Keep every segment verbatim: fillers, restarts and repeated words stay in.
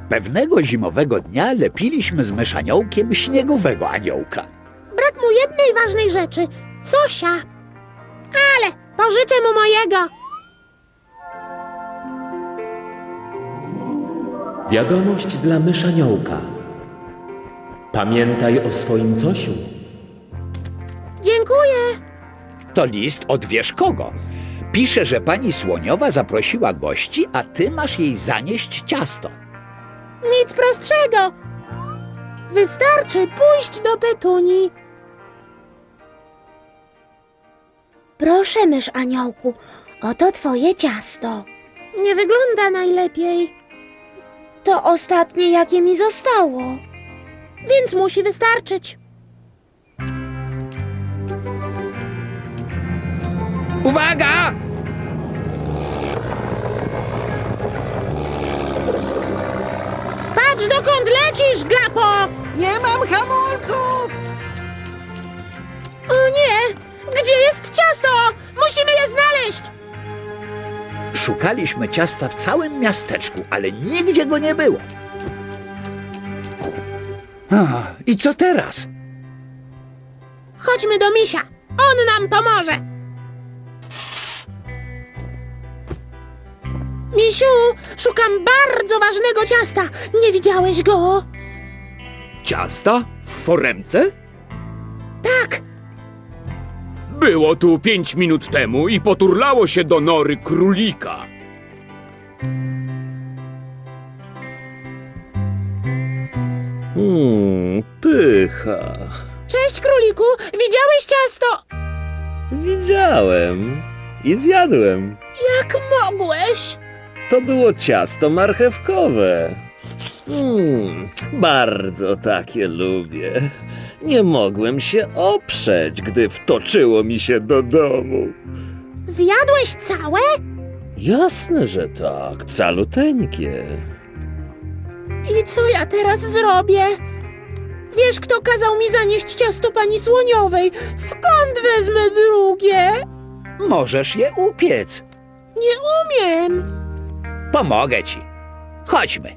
Pewnego zimowego dnia lepiliśmy z myszaniołkiem śniegowego aniołka. Brak mu jednej ważnej rzeczy. Zosia. Ale pożyczę mu mojego. Wiadomość dla myszaniołka. Pamiętaj o swoim Zosiu. Dziękuję. To list od wiesz kogo. Pisze, że pani Słoniowa zaprosiła gości, a ty masz jej zanieść ciasto. Nic prostszego. Wystarczy pójść do Petunii. Proszę, mysz aniołku, oto twoje ciasto. Nie wygląda najlepiej. To ostatnie, jakie mi zostało. Więc musi wystarczyć. Uwaga! Patrz, dokąd lecisz, Glapo! Nie mam hamulców! O nie! Gdzie jest ciasto? Musimy je znaleźć! Szukaliśmy ciasta w całym miasteczku, ale nigdzie go nie było. A, i co teraz? Chodźmy do misia. On nam pomoże. Misiu, szukam bardzo ważnego ciasta. Nie widziałeś go? Ciasta? W foremce? Tak. Było tu pięć minut temu i poturlało się do nory królika. Hmm, pycha. Cześć, króliku. Widziałeś ciasto? Widziałem i zjadłem. Jak mogłeś? To było ciasto marchewkowe. Hmm, bardzo takie lubię. Nie mogłem się oprzeć, gdy wtoczyło mi się do domu. Zjadłeś całe? Jasne, że tak, caluteńkie. I co ja teraz zrobię? Wiesz, kto kazał mi zanieść ciasto pani Słoniowej? Skąd wezmę drugie? Możesz je upiec. Nie umiem. Pomogę ci. Chodźmy.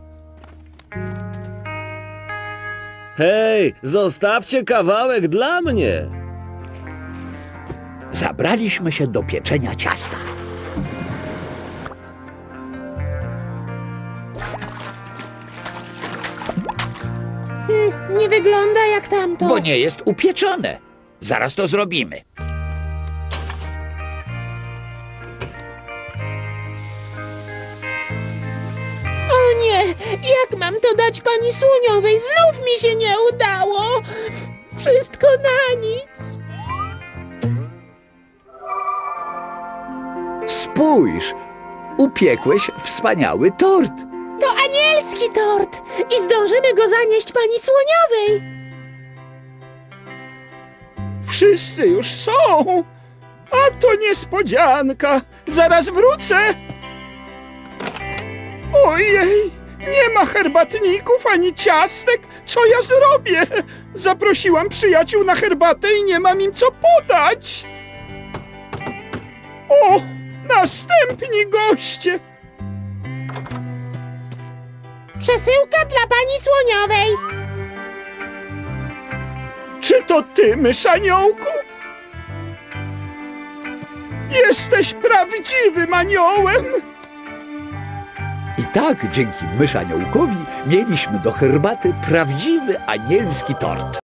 Hej, zostawcie kawałek dla mnie. Zabraliśmy się do pieczenia ciasta. Hmm, nie wygląda jak tamto. Bo nie jest upieczone. Zaraz to zrobimy. O nie, jak mam to dać pani Słoniowej? Znów mi się nie udało. Wszystko na nic. Spójrz, upiekłeś wspaniały tort. To anielski tort i zdążymy go zanieść pani Słoniowej. Wszyscy już są! A to niespodzianka! Zaraz wrócę! Ojej! Nie ma herbatników ani ciastek! Co ja zrobię? Zaprosiłam przyjaciół na herbatę i nie mam im co podać! O! Następni goście! Przesyłka dla pani Słoniowej. Czy to ty, myszaniołku? Jesteś prawdziwym aniołem! I tak dzięki myszaniołkowi mieliśmy do herbaty prawdziwy anielski tort.